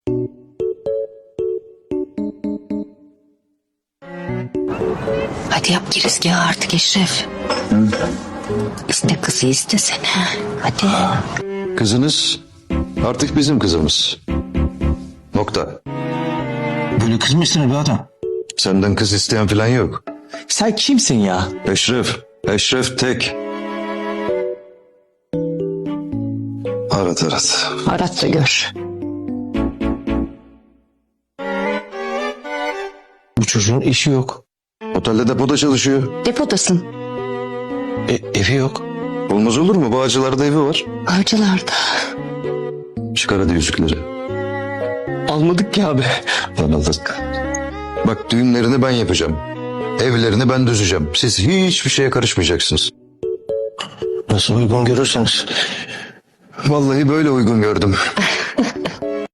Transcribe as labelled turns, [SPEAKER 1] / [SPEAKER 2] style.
[SPEAKER 1] Hadi yap girizgahı artık Eşref. İste kızı istesene. Hadi.
[SPEAKER 2] Kızınız artık bizim kızımız. Nokta.
[SPEAKER 3] Böyle kız mı istenir be adam?
[SPEAKER 2] Senden kız isteyen falan yok.
[SPEAKER 3] Sen kimsin ya?
[SPEAKER 2] Eşref. Eşref tek. Arat arat.
[SPEAKER 1] Arat da gör.
[SPEAKER 3] Bu çocuğun işi yok.
[SPEAKER 2] Otelde depoda çalışıyor.
[SPEAKER 1] Depodasın.
[SPEAKER 3] Evi yok.
[SPEAKER 2] Olmaz olur mu? Bağcılar'da evi var.
[SPEAKER 1] Avcılarda.
[SPEAKER 2] Çıkar hadi yüzükleri.
[SPEAKER 3] Almadık ki abi.
[SPEAKER 2] Lan aldık. Bak düğünlerini ben yapacağım. Evlerini ben düzeceğim. Siz hiçbir şeye karışmayacaksınız.
[SPEAKER 3] Nasıl uygun görürseniz.
[SPEAKER 2] Vallahi böyle uygun gördüm.